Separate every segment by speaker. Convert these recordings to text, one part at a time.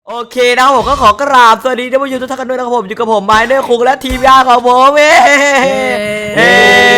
Speaker 1: โอเคนะครับผมก็ขอกราบสวัสดีท่านผู้ชมทุกท่านกันด้วยนะครับผมอยู่กับผมไมเนอร์คุงและทีมงานของผมเฮ้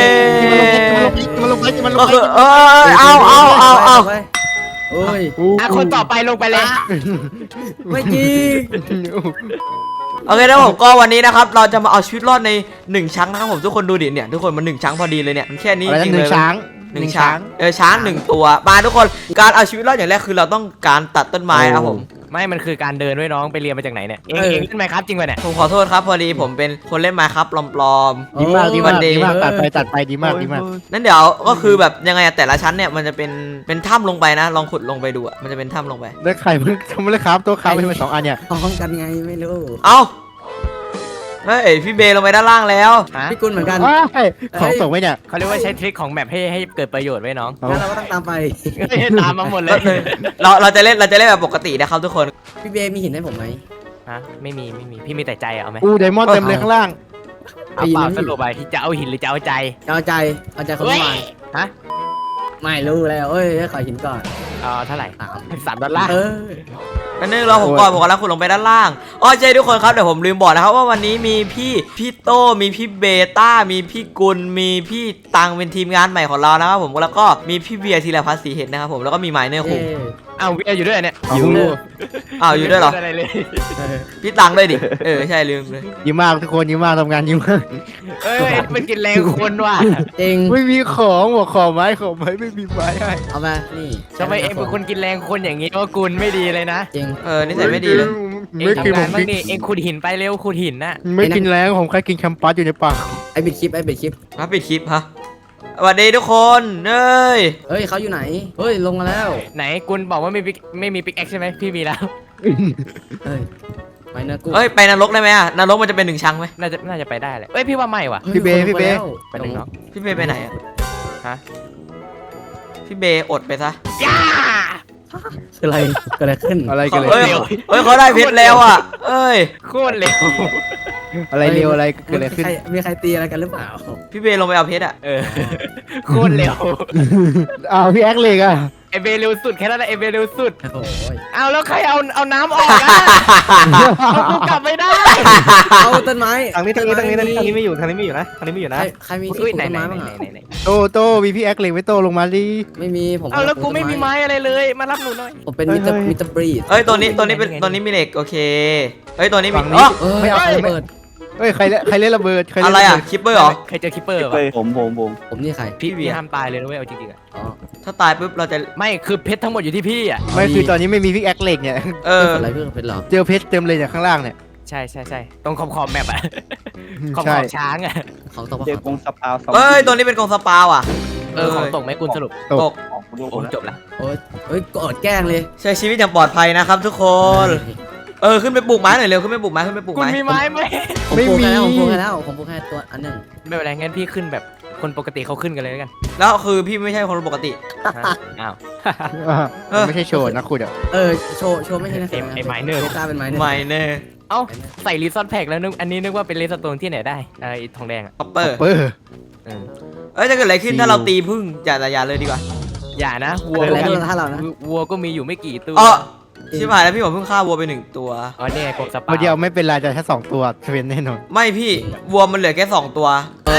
Speaker 1: ก็คือเอา
Speaker 2: โอ้ย
Speaker 3: คนต่อไปลงไปเลย
Speaker 2: ไม่จริง
Speaker 1: โอเคนะผมก็วันนี้นะครับเราจะมาเอาชีวิตรอดใน1ช้างนะครับผมทุกคนดูดิเนี่ยทุกคนมัน1ช้างพอดีเลยเนี่ยมันแค่นี้จริงเลยช้างช้าง1ตัวมาทุกคนการเอาชีวิตรอดอย่างแรกคือเราต้องการตัดต้นไม้ครับผม
Speaker 3: ไม่มันคือการเดินด้วยน้องไปเรียนมาจากไหนเนี่ยเองเล่นไมค์ครับจริงป่ะเนี่ย
Speaker 1: ผมขอโทษครับพอดีผมเป็นคนเล่นไมค์ครับปลอมๆ
Speaker 2: ดีมาก
Speaker 4: ตัดไปดีมาก
Speaker 1: นั่นเดี๋ยวก็คือแบบยังไงแต่ละชั้นเนี่ยมันจะเป็นถ้ำลงไปนะลองขุดลงไปดูอ่ะมันจะเป็นถ้ำลงไป
Speaker 4: แล้วไข่มันทำไมเลยครับตัวขาวเป็น2 อันเนี่ย
Speaker 2: พ้องกันไงไม่รู้
Speaker 1: เอ้าเฮ้ยพี่เบย์ลงไปด้านล่างแล้ว
Speaker 2: พี่กุลเหมือนกัน
Speaker 4: ของตกไว้เนี่ย
Speaker 3: เขาเรียกว่าใช้ทริคของแมปให้เกิดประโยชน์ไว้น้อง
Speaker 2: งั้นเราก็ต้องตามไป
Speaker 3: ตามมาหมดเลย
Speaker 1: เราจะเล่นแบบปกตินะครับทุกคน
Speaker 2: พี่เบย์มีหินให้ผมไหม
Speaker 3: ฮะไม่มีพี่มีแต่ใจเอาไหม
Speaker 4: ไดมอนด์เต็มเลยข้างล่าง
Speaker 3: เอาเปล่าสรุปไปจะเอาหินหรือจะเอาใจ
Speaker 2: เอาใจคนมา
Speaker 3: ฮะ
Speaker 2: ไม่รู้แล้วเอ้ยขอหินก่อน
Speaker 3: เท่าไหร่$3
Speaker 1: นั่นนึงเราผมก่อนผมกำลังขุดลงไปด้านล่างอ๋อใช่ทุกคนครับเดี๋ยวผมลืมบอกนะครับว่าวันนี้มีพี่โต้มีพี่เบต้ามีพี่กุลมีพี่ตังเป็นทีมงานใหม่ของเรานะครับผมแล้วก็มีพี่เบียร์ธีรพัฒน์ศรีเห็ดนะครับผมแล้วก็มีไมเนอร์คุง
Speaker 3: เวียอยู่ด้วยเนี่ย
Speaker 1: อยู่ด้วยเหรอพี่ตังด้วยดิใช่ลืมเลย
Speaker 4: ยิ้มมากทุกคนยิ้มมากทำงานยิ้มมาก
Speaker 3: มันกินแรงคนว่ะ
Speaker 2: จริง
Speaker 4: ไม่มีของบอกขอไม้ไม่มีไม้ให้
Speaker 2: เอามานี่
Speaker 3: ทำไมเอ็งเป็นคนกินแรงคนอย่างนี้ว่ากุลไม่ดีเลยนะ
Speaker 2: จริง
Speaker 1: นิสัยไม่ดีเลย
Speaker 3: ไม่กินบ้างนี่เอ็งขุดหินไปเร็วขุดหินน่ะ
Speaker 4: ไม่กินแรงผมแค่กินแคมปัสอยู่ในป่า
Speaker 2: ไอ้ปิดคลิป
Speaker 1: ปิดคลิปฮะสวัสดีทุกคนเ
Speaker 2: ฮ้ยเขาอยู่ไหนเฮ้ยลงมาแล้ว
Speaker 3: ไหนกุลบอกว่าไม่มีปิกแอคใช่ไหมพี่มีแล้ว
Speaker 2: ไปนะกู
Speaker 1: ไปนรกได้ไหมอ่ะนรกมันจะเป็น1ชั้นไหม
Speaker 3: น่าจะไปได้เลยพี่ว่าไม่ว่ะ
Speaker 4: พี่เบ
Speaker 3: ไปไหนเนาะ
Speaker 1: พี่เบไปไหนอ่ะ
Speaker 3: ฮะ
Speaker 1: พี่เบอดไปซะ
Speaker 2: อะไรขึ้น
Speaker 4: กันเลย
Speaker 1: เขาได้เพชรแล้วอ่ะ
Speaker 3: โคตรเร็ว
Speaker 4: อะไรเร็วอะไรเกิดอะไรขึ้น
Speaker 2: มีใครตีอะไรกันหรือเปล่า
Speaker 1: พี่เบลงไปเอาเพชรอ่ะ
Speaker 3: โคตรเร็ว
Speaker 4: พี่แอ็กเลยอ่ะ
Speaker 3: เอเบเร็วสุดแค่นั้นแหละเอเบเร็วสุดเอาแล้วใครเอาน้ำออกอ่ะกูกลับไม่ได้
Speaker 2: เอาต้นไม้
Speaker 4: ทางนี้ไม่อยู่ทางนี้ไม่อยู่นะ
Speaker 2: ใครมีที่ต้นไม้บ้าง
Speaker 4: โตมีพี่แอ็กเลยไม่โตลงมาดิ
Speaker 2: ไม่มีผม
Speaker 3: เอาแล้วกูไม่มีไม้อะไรเลยมารับหนูหน่อย
Speaker 2: ผมเป็นมิสเตอร์บรีด
Speaker 1: ตัวนี้มีเหล็กโอเคตัวนี้มี
Speaker 2: ไม่เอาระเบิด
Speaker 4: ใครเล่นระเบิด
Speaker 1: อะไรอ่ะคิปเปอร์เหรอ
Speaker 3: ใครเจอคิปเปอร์
Speaker 4: ผม
Speaker 2: นี่ใคร
Speaker 3: พี่ห้ามตายเลยนะเว้ยเอาจริงๆอ่ะ
Speaker 1: ถ้าตายปุ๊บเราจะ
Speaker 3: ไม่คือเพชรทั้งหมดอยู่ที่พี่อ่ะ
Speaker 4: ไม่คือตอนนี้ไม่มีพี่แอ็กเหล็กเนี่ย
Speaker 2: อะไรเพื่อนเพชรหรอ
Speaker 4: เจอเพชรเต็มเลยจากข้างล่างเนี่ย
Speaker 3: ใช่ตรงขอบแมปอ่ะขอบช้างอ่ะ
Speaker 2: ของตก
Speaker 4: เจอกงสปาว
Speaker 1: ตัวนี้เป็นกงสปาวอ่ะ
Speaker 3: ของตกไหมกุลสรุป
Speaker 1: ตก
Speaker 3: จบแล้ว
Speaker 2: กอดแกล้งเลย
Speaker 1: ใช้ชีวิตอย่างปลอดภัยนะครับทุกคนขึ้นไปปลูกไม้หน่อยเร็วขึ้นไปปลูกไม้
Speaker 3: คุณมีไม้ไหม
Speaker 2: ไม่มีผมปลูกแค่ตัวอันนึง
Speaker 3: ไม่เป็นไรงั้นพี่ขึ้นแบบคนปกติเขาขึ้นกันเลยกัน
Speaker 1: แล้วคือพี่ไม่ใช่คนปกติ
Speaker 3: อ้าว
Speaker 4: ไม่ใช่โชว์นะคุณ
Speaker 2: โชว์ไม่ใช่นะ
Speaker 3: ไมเนอร์
Speaker 2: เป็นไม
Speaker 1: เนอร์
Speaker 3: ใส่รีซอสแพ็กแล้วนึกอันนี้นึกว่าเป็นรีซอสโตนที่ไหนได้ทองแดงอ่ะ
Speaker 1: คัปเปอร์จะเกิดอะไรขึ้นถ้าเราตีพึ่งอย่าเลยดีกว่า
Speaker 3: อย่านะวัวก็มีอยู่ไม่กี่ตัว
Speaker 1: ชิบหายแล้วพี่ผมเพิ่งฆ่าวัวไป1 ตัว
Speaker 3: เนี่ยกบสปา
Speaker 4: เดียวไม่เป็นไรแต่แค่2 ตัวเป็นแน่นอน
Speaker 1: ไม่พี่วัวมันเหลือแค่2 ตัว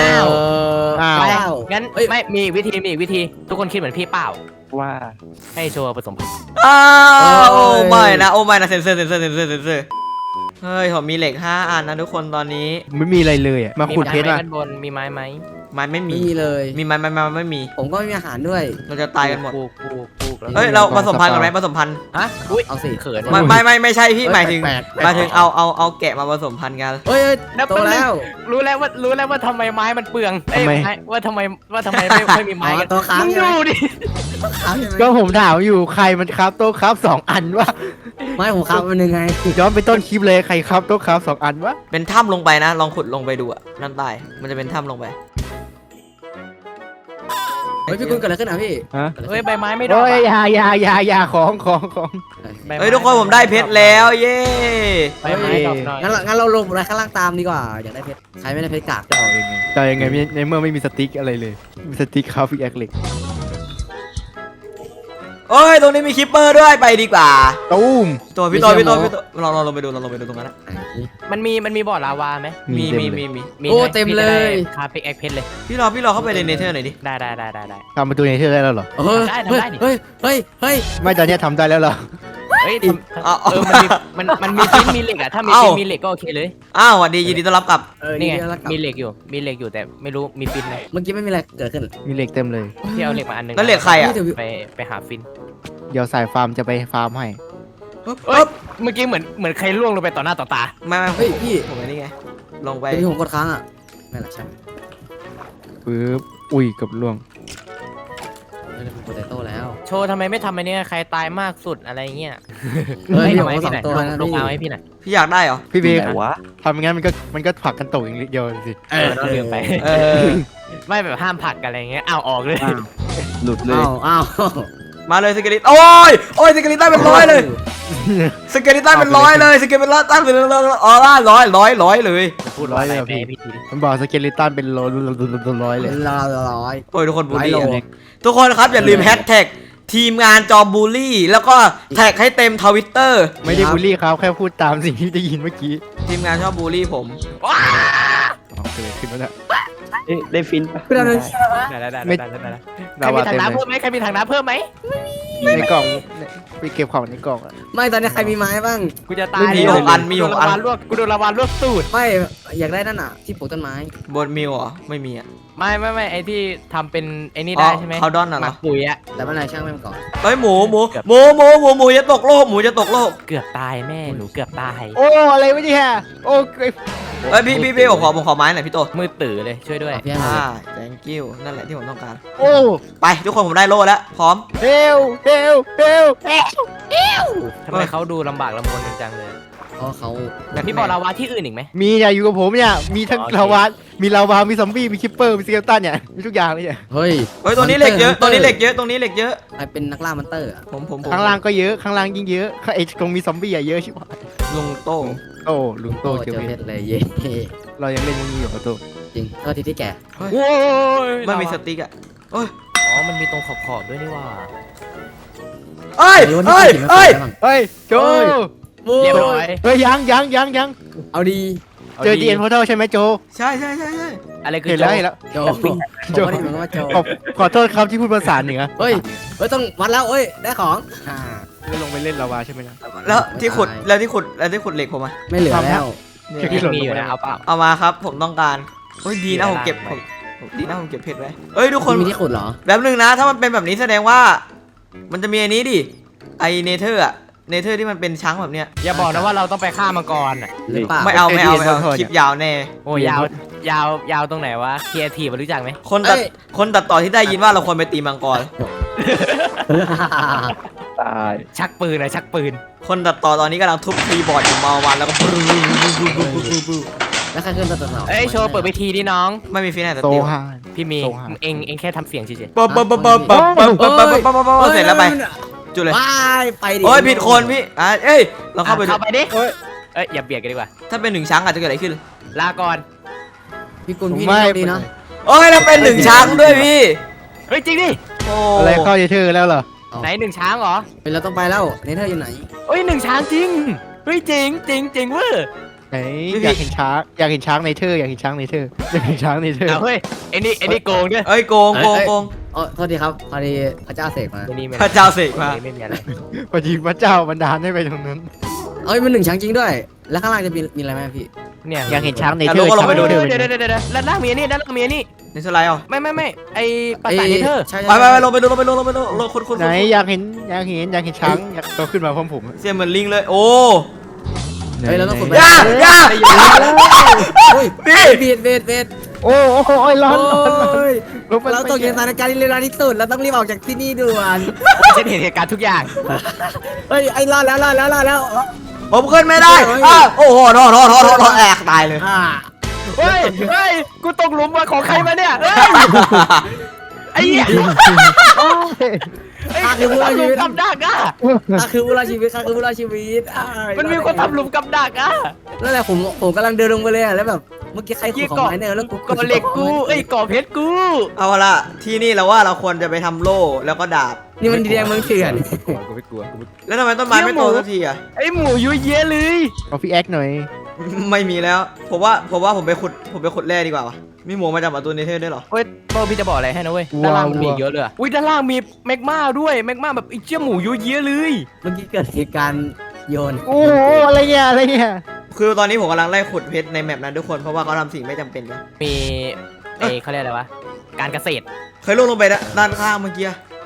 Speaker 3: งั้นไม่มีวิธีทุกคนคิดเหมือนพี่เปล่าว่าให้โชว์ผสมพันธุ์
Speaker 1: โอ้ไม่นะเซนเซอร์เฮ้ยผมมีเหล็ก5 อันนะทุกคนตอนนี้
Speaker 4: ไม่มีอะไรเลยมาขุดเพชรอ่ะ
Speaker 3: บนมีไม้ไหม
Speaker 1: ไม้ไม่มี
Speaker 2: เลย
Speaker 1: มีไม้ไม่มี
Speaker 2: ผมก็ไม่มีอาหารด้วย
Speaker 1: เราจะตายกันหมดเราผสมพันธุ์กันไหมผสมพันธุ์
Speaker 3: เอาสิเขิน
Speaker 1: ไม่ใช่พี่หมายถึงเอาแกะมาผสมพันธุ์กัน
Speaker 3: โตแล้วรู้แล้วว่าทำไมไม้มันเปลืองว่าทำไมไม่มีไม้กัน
Speaker 2: ตัวค้าง
Speaker 3: ดูดิ
Speaker 4: ก็ผมถามอยู่ใครมันครับโต๊ะครับ2 อันวะ
Speaker 2: ไม่ผมครับมันยังไง
Speaker 4: ย้อนไปต้นคลิปเลยใครครับโต๊ะครับ2 อันวะ
Speaker 1: เป็นถ้ำลงไปนะลองขุดลงไปดูอ่ะนั่นใต้มันจะเป็นถ้ำลงไป
Speaker 2: พี่กุลเกิดอะไรขึ้นอ่ะพี่
Speaker 3: ใบไม้ไม่ดอก
Speaker 4: อย่าของ
Speaker 1: ทุกคนผมได้เพชรแล้วเย้
Speaker 3: ใบไม้ดอกน้อย
Speaker 2: งั้นเราลงอะไรข้างล่างตามดีกว่าอยากได้เพชรใครไม่ได้เพชรกาก
Speaker 4: จะเอายังไงในเมื่อไม่มีสติ๊กอะไรเลยมีสติ๊กคาฟิกแอคเล็ก
Speaker 1: เอ้ยตรงนี้มีคิปเปอร์ด้วยไปดีกว่า
Speaker 4: ตุ้ม
Speaker 1: ตัวพี่โตลองลงไปดูตรงนั้นนะ
Speaker 3: มันมีบ่อลาวาไหม
Speaker 1: มี
Speaker 2: โอ้เต็มเลย
Speaker 3: คาปิกแอคเพชรเลย
Speaker 1: พี่รอเข้าไปในเนเธอร์หน่อยดิ
Speaker 3: ได้
Speaker 4: ทำประตูในเธอได้แล้วเหรอ
Speaker 2: เฮ้ย
Speaker 3: ได้ทำได้ดิ
Speaker 2: เฮ้ยเฮ้ยเฮ้ย
Speaker 4: ไม่ตอนเนี้ยทำได้แล้วเหรอ
Speaker 3: เฮ้ย
Speaker 1: เอา
Speaker 3: มันมีฟินมีเหล็กอะถ้ามี
Speaker 1: เอ้า
Speaker 3: ฟินมีเหล็กก็โอเคเลย
Speaker 1: อ้าวสวัสดียินดีต้อนรับกลับ
Speaker 3: นี่ไง
Speaker 2: แล้วกลับ
Speaker 3: มีเหล็กอยู่แต่ไม่รู้มีฟินไหม
Speaker 2: เมื่อกี้ไม่มีอะไรเกิดขึ้น
Speaker 4: มีเหล็กเต็มเลย
Speaker 3: ที่เอาเหล็กมาอันหนึง
Speaker 1: แล้วเหล็กใครอ่ะ
Speaker 3: ไปหาฟิน
Speaker 4: เดี๋ยวสายฟาร์มจะไปฟาร์มให้
Speaker 3: เอ้ยเมื่อกี้เหมือนใครล่วงลงไปต่อหน้าต่อตา
Speaker 1: ไม่
Speaker 2: เฮ้ยพี่
Speaker 1: ผมนี่ไงลงไป
Speaker 2: ที่ผมกดค้างอ่ะไม่หรอกใช่ไหม
Speaker 4: ปึ๊บอุ้ยเกับล่วง
Speaker 2: ไม่ได้ผมกดไตโต้แล้ว
Speaker 3: โชว์ทำไมไม่ทำอันเนี้ยใครตายมากสุดอะไรเงี้ย
Speaker 2: เฮ้ย
Speaker 3: ทำไม
Speaker 2: ผมก็
Speaker 3: พี่หน่อย
Speaker 2: สองตัวนะ
Speaker 3: ลง
Speaker 2: พี่
Speaker 3: เอาให้พี่หน่อย
Speaker 1: พี่อยากได้เหรอ
Speaker 4: พี่เบย์
Speaker 5: ไหนวะ
Speaker 4: ทำอย่างงั้นมันก็ผลักกันตกอย่างเดียวสิ
Speaker 3: ต้องลืมไป
Speaker 1: เออ
Speaker 3: ไม่แบบห้ามผลักกันอะไรเงี้ยเอาออกเลย
Speaker 5: หลุดเลย
Speaker 2: อ้าว
Speaker 1: มาเลยสเกลิตโอ้ยสเกลิตันเป็นร้อยเลยสเกลิตันเป็นร้อยเลยสเกลิตันเป็นร้อยเลย
Speaker 3: พูดร้อยเลยพี่ที
Speaker 4: มันบอกสเกเลตันเป็นร้อยเลย
Speaker 2: ร้อย
Speaker 1: โอ้ยทุกคนบูลลี่
Speaker 2: ร้อยโล
Speaker 1: ทุกคนครับอย่าลืมแฮชแท็กทีมงานจอมบูลลี่แล้วก็แท็กให้เต็มทวิตเตอร์
Speaker 4: ไม่ได้บูลลี่เขาแค่พูดตามสิ่งที่ได้ยินเมื่อกี้
Speaker 1: ทีมงานชอบบูลลี่ผม
Speaker 4: อ๋อเกิดขึ้นแล้วนะ
Speaker 5: ได้ฟินปะ
Speaker 2: คือเราเลย
Speaker 3: ได้ใครมีถังน้ำเพิ่มไหมใครมีถังน้ำเพิ่มไหม
Speaker 4: ในกล่องไปเก็บของในกล่องอะ
Speaker 2: ไม่ตอนนี้ใครมีไม้บ้าง
Speaker 3: กูจะตาย
Speaker 1: มีหกอันมีหกอัน
Speaker 3: กูโดนลาวาลวกตูด
Speaker 2: ไม่อยากได้นั่นอ่ะที่ปลูกต้นไม้
Speaker 1: บนมิวเหรอไม่มีอ่ะ
Speaker 3: ไม่ไอที่ทำเป็นไอนี่ได้ใช่ไหม
Speaker 1: เขาดอนน่ะเหรอ
Speaker 3: หมักปุ๋ยอะ
Speaker 2: แต่ไม่เป็นไรช่างแม่งก่อน
Speaker 1: เฮ้ยหมูจะตกโลกหมูจะตกโลก
Speaker 3: เกือบตายแม่หนูเกือบตาย
Speaker 4: โอ้อะไรวะเนี่ยโอ้
Speaker 1: เฮ้ยพี่ผมขอไม้หน่อยพี่โต
Speaker 3: มือตื่อเลยช่วยด้วย
Speaker 2: พี่ให้
Speaker 1: thank you นั่นแหละที่ผมต้องการ
Speaker 4: โอ้
Speaker 1: ไปทุกคนผมได้โล่แล้วพร้อม
Speaker 4: เฮล
Speaker 3: ทำไมเขาดูลำบากลำบนจังเลย
Speaker 2: เพราะเขา
Speaker 3: แต่พี่บอกลาวาที่อื่นอีกไหม
Speaker 4: มีเนี่ยอยู่กับผมเนี่ยมีทั้ง
Speaker 3: โอเค
Speaker 4: ลาวามีซอมบี้มีคิปเปอร์มีสเกลตันเนี่ยมีทุกอย่างเลยเนี่ย
Speaker 2: เฮ้ย
Speaker 1: ตรงนี้เหล็กเยอะตรงนี้เหล็กเยอะ
Speaker 2: ใครเป็นนักล่ามอนเตอร์อ่ะ
Speaker 1: ผม
Speaker 4: ข้างล่างก็เยอะข้างล่างยิ่งเยอะไอ้ตรงมีซอมบี้อะเยอะชิบหาย
Speaker 1: ลุงโต้
Speaker 4: โอ้ลุงโต
Speaker 2: โต
Speaker 4: เจ
Speaker 2: เจ
Speaker 4: อ
Speaker 2: อ
Speaker 4: เพ
Speaker 2: เพ
Speaker 4: ช
Speaker 2: ช
Speaker 4: ร
Speaker 2: รเลยเย่
Speaker 4: เรายังเล่นนี่อยู่กับโต
Speaker 2: จริงเท่าที่แก่
Speaker 3: โอ้ย
Speaker 1: ไม่มีสติ๊กอ่ะโอ้ย
Speaker 3: อ๋อมันมีตรงขอบด้วยนี่ว่า
Speaker 1: เอ้ย
Speaker 4: เฮ้ยโจ
Speaker 3: เรียบร้อย
Speaker 4: เฮ้ยยัง
Speaker 2: เอาดี
Speaker 4: เจอดีเอ็นพอเทลใช่ไหมโจ
Speaker 1: ใช่
Speaker 3: อะไรคือ
Speaker 4: เห็นแล้ว
Speaker 2: โจผมก็ได้เหมือนว่าโจ
Speaker 4: ขอโทษครับที่พูดภาษาเหนือ
Speaker 2: เฮ้ยต้องวัดแล้วเอ้ยได้ของ
Speaker 4: ไม่ลงไปเล่นลาวาใช่ไหมนะ
Speaker 1: แล้วที่ขุดเหล็กผมอ่ะ
Speaker 2: ไม่เหลือแล้ว
Speaker 3: ที่มีอยู่นะเอาเปล่า
Speaker 1: เอามาครับผมต้องการโอ้ยดีนะผมเก็บเพชรไว้เอ้ยทุกคน
Speaker 2: มีที่ขุดเหรอ
Speaker 1: แบบนึงนะถ้ามันเป็นแบบนี้แสดงว่า มันจะมีอันนี้ดิไอเนเธอร์อะเนเธอร์ที่มันเป็นช้างแบบเนี้ย
Speaker 3: อย่าบอกนะว่าเราต้องไปฆ่ามังกรอ่ะ
Speaker 2: หรือเปล่า
Speaker 1: ไม่เอาคลิปยาวแน่
Speaker 3: โอ้ยาวตรงไหนวะเคียร์ทีรู้จักไหม
Speaker 1: คนตัดต่อที่ได้ยินว่าเราควรไปตีมังกร
Speaker 5: ตาย
Speaker 3: ชักปืนนะชักปืน
Speaker 1: คนตัดต่อตอนนี้กำลังทุบคีย์บอร์ดอยู่มาวันแล้วก็
Speaker 2: แล้วใครขึ้นตัวต่อ
Speaker 3: เอ้ยโชว์เปิดเวทีดิน้อง
Speaker 1: ไม่มีฟินแอนด์
Speaker 4: โซ
Speaker 1: ตี
Speaker 4: ฮาน
Speaker 3: พี่มี
Speaker 4: โซฮา
Speaker 3: เองแค่ทำเสียงเฉย
Speaker 1: ปั๊บเสร็จแล้วไปจุดเลย
Speaker 2: ว้ายไปดิ
Speaker 1: โอ้ยผิดคนพี่เอ้ยเรา
Speaker 3: ๆ
Speaker 1: เข้าไปดู
Speaker 3: เข้าไปดิเอ้ยอย่าเบียดกันดีกว่า
Speaker 1: ถ้าเป็นหนึ่งช้างอาจจะเกิดอะไรขึ้น
Speaker 3: ลาก่อน
Speaker 2: พี่กุลพี่นี่ดีเนาะ
Speaker 1: โอ้ยเราเป็นหนึ่งช้างด้วยพี่
Speaker 3: เฮ้ยจริงดิ
Speaker 1: โอ้
Speaker 4: อะไรเข้าเธอแล้วเหรอ
Speaker 3: ไหนหนึ่งช้างเหรอ
Speaker 2: เราต้องไปแล้วเนเธอร์อยู่ไหน
Speaker 3: เฮ้ยหนึ่งช้างจริงเฮ้ยจริงเว้ย
Speaker 4: ไหนอยากเห็นช้างในเธออยากเห็นช้างในเธอ
Speaker 3: เอาเฮ้ยไอ้นี่โกงด้วย
Speaker 1: เอ้ยโกง
Speaker 2: อ๋อโทษทีครับพอดีพระเจ้าเสกมา
Speaker 3: ไอ้นี่ไม่
Speaker 1: พระเจ้าเสกมา
Speaker 3: ไม่มีอะไร
Speaker 4: พอดีพระเจ้าบันดาลให้ไปตรงนั้น
Speaker 2: เอ้ยมันหนึ่งช้างจริงด้วย แล้วข้างล่างจะมีอะไรไหมพี่
Speaker 3: เนี่ย
Speaker 4: อยากเห็นช้างใน
Speaker 1: อ่ะ
Speaker 4: เธอ
Speaker 1: เราก็ลองไปดู
Speaker 3: เดี๋ยวด้านล่างมีอันนี้ด้านล่างมีอันนี้
Speaker 1: ในสไลด์เอา
Speaker 3: ไม่ไอ้ปราสาทเนเธอร์
Speaker 2: ใช่
Speaker 1: ไปลงไปดูคน
Speaker 4: ไหนอยากเห็นช้างอยากโตขึ้นมาพร้อมผม
Speaker 1: เสียเหมือนลิงเลยโอ้
Speaker 2: เฮ้ยเราต้องขุดไป
Speaker 1: ย่า
Speaker 2: เฮ้ย
Speaker 1: พี่
Speaker 2: เบ็ด
Speaker 4: โอ้ยร้อน
Speaker 2: ลงไปเราต้องอยู่ในสถานการณ์ที่เลวร้ายที่สุดเราต้องรีบออกจากที่นี่ด่วน
Speaker 3: ฉันเห็นเหตุการณ์ทุกอย่าง
Speaker 2: เฮ้ยไอ้รอดแล้ว
Speaker 1: ผมขึ้นไม่ได้โอ้โหโทษแอกตายเลย
Speaker 3: เฮ้ยกูตกหลุมมาของใครมาเนี่ยไอ้เหี้ยไอ้คนทำหลุมกับดักอ่ะ
Speaker 2: ข้าคือผู้รอดชีวิต
Speaker 3: มันมีคนทำหลุมกับดักอ่ะ
Speaker 2: นั่นแหละผมกำลังเดินลงไปเลยแล้วแบบเมื่อกี้ใครขุ
Speaker 3: ยี่
Speaker 2: ดของ
Speaker 3: เกาะ
Speaker 2: ไมเนอร์แล้วกู
Speaker 3: เกาะเหล็กกูเอ้ยเกาะเพชรกู
Speaker 1: เอาละที่นี่เราว่าเราควรจะไปทำโล่แล้วก็ดาบ
Speaker 2: นี่มันแดงเมืองเถื่อน
Speaker 3: กูไม่กลัว
Speaker 1: แล้วทำไมต้นไม้ไม่โตสักทีอ่ะ
Speaker 3: ไอหมูยุ่ยเยะเลย
Speaker 4: เอาพี่แอคหน่อย
Speaker 1: ไม่มีแล้วผมว่าผมไปขุดแร่ดีกว่าวะมีหมูมาจากประตูเนเธอร์ด้วยเหรอ
Speaker 3: เฮ้ยโตพี่จะบอกอะไรให้นะเว้ยด้านล่างมันมีอีกเยอะเลยอุ้ยด้านล่างมีแมกมาด้วยแมกมาแบบไอ้เจ้าหมูยุ่ยเยะเลย
Speaker 2: เมื่อกี้เกิดเหตุการณ์โยน
Speaker 4: โอ้โหอะไรเนี่ยอะไรเนี่ย
Speaker 1: คือตอนนี้ผมกำลังไล่ขุดเพชรในแมปนั้นทุกคนเพราะว่าเขาทำสิ่งไม่จำเป็นกัน
Speaker 3: มีไอ้เขาเรียกอะไรวะการเกษตร
Speaker 1: เคยลงไปด้านข้างเมื่อกี้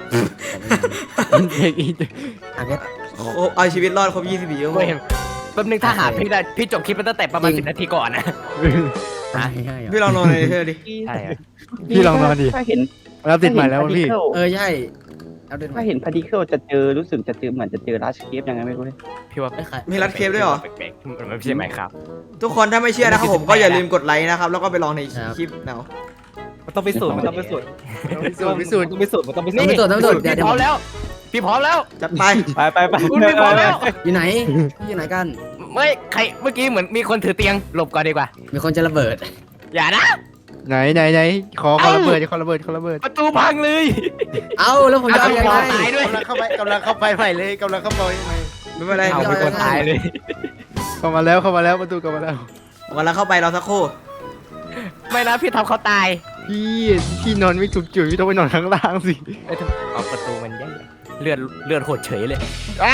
Speaker 2: อ่ะเพชร
Speaker 1: โอ้เอาชีวิตรอดครบ24ชั่วโม
Speaker 3: เว้
Speaker 1: ง
Speaker 3: ยแป๊บนึงถ้าหาพี่ได้พี่จบคลิปมันตั้งแต่ประมาณ10 นาทีก่อนนะ
Speaker 2: ใช่
Speaker 1: พี่ลองนอนในเนเธอร์ดิ
Speaker 3: ใช่
Speaker 4: พี่ลองนอนดิ
Speaker 5: ถ้าเห็น
Speaker 4: เราติดใหม่แล้วพี่
Speaker 2: ใช่เอาเดิน
Speaker 5: ถ้าเห็นพาร์ติเคิลจะเจอรู้สึกจะเจอเหมือนจะเจอลัชเคฟยังไงไม่รู้เลย
Speaker 3: พี่ว่า
Speaker 2: ไม่ใคร
Speaker 1: มีรัดเคปด้วยเหรอ
Speaker 3: แปลกๆมันไม่ใช่ไหมครับ
Speaker 1: ทุกคนถ้าไม่เชื่อนะครับผมก็อย่าลืมกดไลค์นะครับแล้วก็ไปลองในคลิปเนาะ
Speaker 3: มันต้องไปสูตรมันต้องไปสูตร
Speaker 4: พิสูจน์
Speaker 3: ต้องไปสูตรมันต้องไปสูตร
Speaker 2: ต้องไปตรวจต้องไปตรวจเดี๋ยว
Speaker 3: พี่พร้อมแล้วพี่พร้อมแล้ว
Speaker 1: จัดไป
Speaker 5: ไป
Speaker 3: คุณพี่พร้อมแล้ว
Speaker 2: อยู่ไหนอยู่ไหนกัน
Speaker 3: ไม่ใครเมื่อกี้เหมือนมีคนถือเตียงหลบก่อนดีกว่า
Speaker 2: มีคนจะระเบิด
Speaker 3: อย่านะ
Speaker 4: ไหนขอระเบิดขอระเบิด
Speaker 3: ประตูพังเลย
Speaker 2: เอ้าแล้วผมจะเอายังไง
Speaker 3: ตายด้วย
Speaker 4: กำลังเข้าไปใหม่เลยกำลังเข้าไปใหม่
Speaker 1: ไม่เป็นไร
Speaker 3: เอาเป็นคนตายเลย
Speaker 4: เข้ามาแล้วประตูเข้ามาแล้ว
Speaker 1: วันละเข้าไปเราสักครู่
Speaker 3: ไม่นะพี่ทำเขาตาย
Speaker 4: พี่นอนไม่ถูกจุดพี่ต้องไปนอนข้างล่างสิ
Speaker 3: เอ้ยเอาประตูมันแย่เลือดโหดเฉยเลย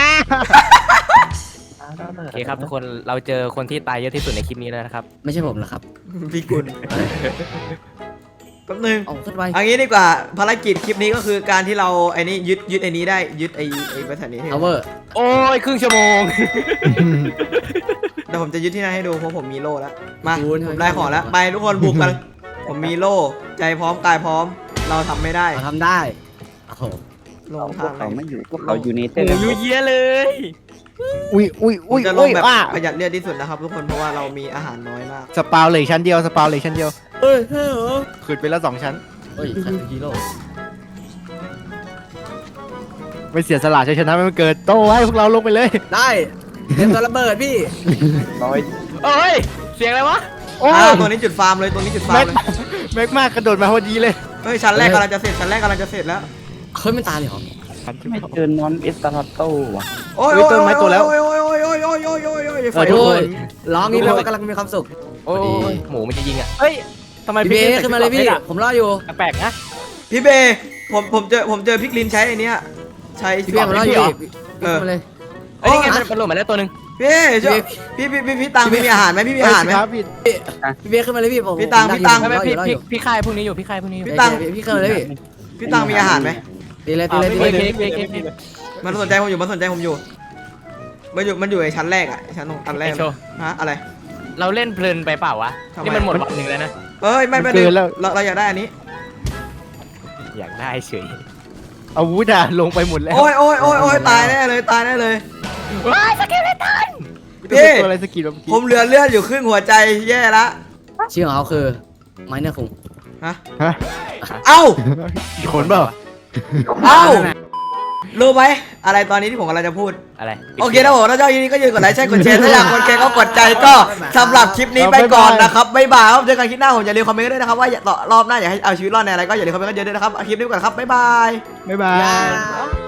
Speaker 3: โอเคครับทุกคนเราเจอคนที่ตายเยอะที่สุดในคลิปนี้แล้วนะครับ
Speaker 2: ไม่ใช่ผมเหรอครับ
Speaker 1: พี่กุลแป๊บนึง
Speaker 2: เอาขึ้นไป
Speaker 1: เอันนี้ดีกว่าภารกิจคลิปนี้ก็คือการที่เราไอ้นี่ยึดไอ้นี้ได้ยึดไอ้บริษัทนี้ให้
Speaker 2: เอาเวอร์
Speaker 3: โอ้ยครึ่งชั่วโมง
Speaker 1: เดี๋ยวผมจะยึดที่นั่นให้ดูเพราะผมมีโล่แล้วมาผมได้ของแล้วไปทุกคนบุกกันผมมีโล่ใจพร้อมกายพร้อมเราทำไม่ได้
Speaker 2: เราทำได้โอ้โห
Speaker 1: ลง
Speaker 5: พว
Speaker 1: ทาก งไห
Speaker 5: เขา
Speaker 1: น
Speaker 5: ไม่อยู่พวกเขาอยู่ในเต้
Speaker 3: หมูยุ่ยเยะเลย
Speaker 4: อุ้ย
Speaker 1: ผมจะลงแบบ
Speaker 4: ว่า
Speaker 1: ประหยัดเลือดที่สุดนะครับทุกคนเพราะว่าเรามีอาหารน้อยมาก
Speaker 4: สปาวเหล็กชั้นเดียว
Speaker 2: เฮ้ยเฮ้ยเหรอ
Speaker 4: ขึ้นไปแล้ว2 ชั้น
Speaker 2: เฮ้ยใครเป็นฮีโร่
Speaker 4: ไม่เสียสละชัยชนะไม่มันเกิดโต้ให้พวกเราลงไปเลย
Speaker 2: ได้เตรียมตัวระเบิดพี่
Speaker 5: น้อย
Speaker 3: เอ้ยเสียงอะไรวะ
Speaker 4: โอ้ย
Speaker 1: ตัวนี้จุดฟาร์มเลยตัวนี้จุดฟาร์มเลย
Speaker 4: แม็กมากกระโดดมาพอดีเลย
Speaker 1: เฮ้ยชั้นแรกกำลังจะเสร็จชั้นแรกกำลังจะเสร็จแล้ว
Speaker 2: เฮ้ยมันตายเลยเหรอ
Speaker 5: ไม่เจอนอนเอสตาร์โต้ว่ะ
Speaker 1: โอ้ย
Speaker 4: เฮ้ยต้นไม้โตแล้ว
Speaker 1: โอ้ยโอ้ยโอ้ยโอ้ยโอ้ยโอ้ยโอ้ยโอ้ยไฟ
Speaker 4: ทุกคน
Speaker 2: ร้องนี้แปลว่ากำลังมีความสุข
Speaker 3: โอ้ยหมูมันจะยิงอ่ะเฮ้ยทำไม
Speaker 2: พี่เบ
Speaker 3: ใส่
Speaker 2: ขึ้นมาเลยพี่
Speaker 3: ชุด
Speaker 2: ผมรออยู่
Speaker 3: แปลกๆนะ
Speaker 1: พี่เบผมเจอพริกลินใช้ไอ้เนี้ยใช้
Speaker 2: พี่เบผมรออยู่พี่ขึ้นมาเลย
Speaker 3: เอ้ยนี่ไงมันหล่นมาแล้วตัวหนึง
Speaker 1: พี่เจ้าพี่ตังพี่มีอาหารไหมพี่มีอาหารไหม
Speaker 4: ครับพี่
Speaker 2: พี่เบขึ้นมาเลยพี่ผม
Speaker 1: พี่ตัง
Speaker 2: ผม
Speaker 1: พี่ตัง
Speaker 2: รอ
Speaker 3: ไม่
Speaker 2: อยู่รอ
Speaker 3: พี่
Speaker 2: อยู่
Speaker 3: พี่ค่ายพวกนี้อยู่พี่ค่ายพวกนี้อยู่
Speaker 1: พี่ตัง
Speaker 2: พี่ขึ้นมาเลยพี่
Speaker 1: พี่ตังมีอาหารไหม
Speaker 2: ตีเลยตีเลยตีเลย
Speaker 3: พี่
Speaker 1: มันสนใจผมอยู่มันอยู่ไอ้ชั้นแรกอ่ะชั้นตรงอันแรก
Speaker 3: โชว์
Speaker 1: ฮะอะไร
Speaker 3: เราเล่นเพลินไปเปล่าวะ
Speaker 1: ทำไม
Speaker 3: นี่มันหมดวันหนึ่งแล้วนะ
Speaker 1: เอ้ยไม่
Speaker 4: เกินแล้ว
Speaker 1: เราอยากได้อันนี้
Speaker 3: อยากได้เฉย
Speaker 4: อาวุธอะลงไปหมดแล้ว
Speaker 1: โอ้ยโอ้ยโอ้ยโอ้ยตายแน่เลยตายแน่เลย
Speaker 3: ว้ายสเกลเลตัน
Speaker 1: พี่
Speaker 4: ตัวอะไรสกิลเมื่อกี้
Speaker 1: ผมเหลือเลือดอยู่ครึ่งหัวใจแย่ละ
Speaker 2: ชื่อของเขาคือไม้เนื้อคุง
Speaker 1: ฮะ
Speaker 4: ฮะ
Speaker 1: เอ้า
Speaker 4: กี่คนเปล่า
Speaker 1: เอ้ารู้ไหมอะไรตอนนี้ที่ผมกำลังจะพูด
Speaker 3: อะไร
Speaker 1: โอเคนะผมถ้าชอบคลิปนี้ก็อย่าลืมกดไลค์ใช่กดแชร์ถ้าอยากกดแชร์ก็กดใจก็สำหรับคลิปนี้ไปก่อนนะครับบ๊ายบายครับเจอกันคลิปหน้าผมอย่าลืมคอมเมนต์ด้วยนะครับว่ารอบหน้าอยากให้เอาชีวิตรอดในอะไรก็อย่าลืมคอมเมนต์กันเยอะด้วยนะครับคลิปนี้ไปก่อนครับบ๊ายบาย
Speaker 4: บ๊ายบาย
Speaker 2: ยา